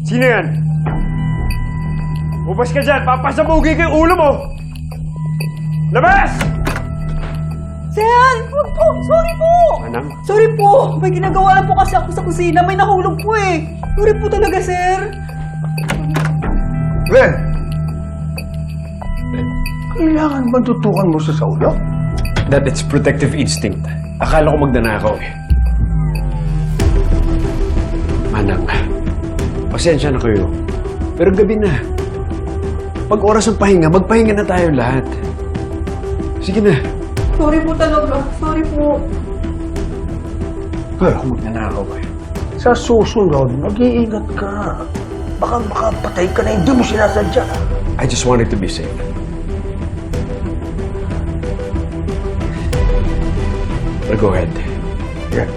Sino yan? Ubas ka dyan! Papasabugi ko yung ulo mo! Labas! Sen! Wag po! Sorry po! Manang? Sorry po! May ginagawa lang po kasi ako sa kusina. May nahulog po eh. Sorry po talaga, sir. Glenn! Kailangan ba tutukan mo sa ulo? That it's protective instinct. Akala ko magnanakaw eh. Manang, pasensya na kayo. Pero gabi na. Pag oras ng pahinga, magpahinga na tayo lahat. Sige na. Sorry po talaga. Sorry po. Glenn, Ako magnanakaw eh. sa susunod, mag-iingat ka. Baka makapatay ka na hindi mo sinasadya. I just wanted to be safe. But go ahead. Yan.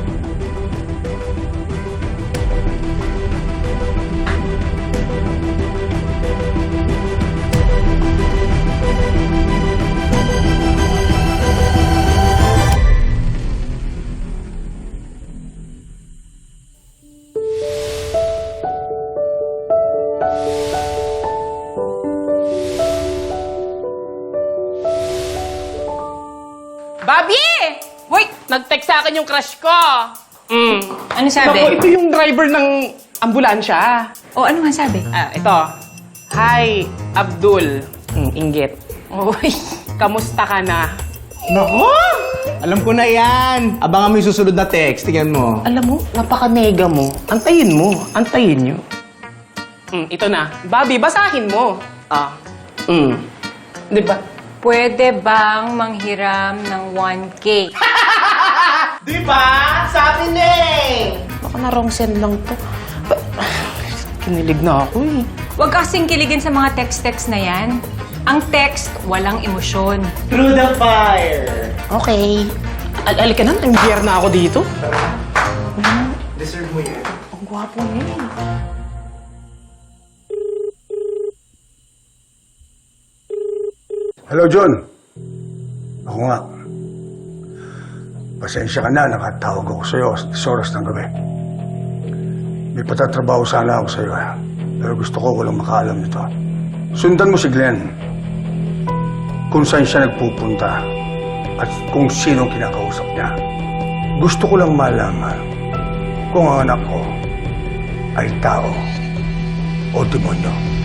Bobby! Wait! Nag-text sa akin yung crush ko. Ano sabi? Naku, ito yung driver ng ambulansya. O, ano nga sabi? Ito. Hi, Abdul. Inggit. Uy, kamusta ka na? Nako! Alam ko na yan. Abangan mo yung susunod na text. Tingnan mo. Alam mo, napaka-nega mo. Antayin mo. Antayin nyo. Ito na. Bobby, basahin mo. Di ba? Pwede bang manghiram ng 1K? Di ba? Sabi na eh! Baka na wrong send lang to. Kinilig na ako eh. Huwag kasing kiligin sa mga text-text na yan. Ang text, walang emosyon. Through the fire. Okay. Alika na, nang-gear na ako dito. Deserve mo yan. Ang gwapo niya eh. Hello, John. Ako nga. Pasensya ka na, nakatawag ako sa'yo sa oras ng gabi. May patatrabaho sana ako sa'yo. Pero gusto ko walang makaalam nito. Sundan mo si Glenn. Kung saan siya nagpupunta at kung sinong kinakausap niya. Gusto ko lang malaman kung ang anak ko ay tao o demonyo.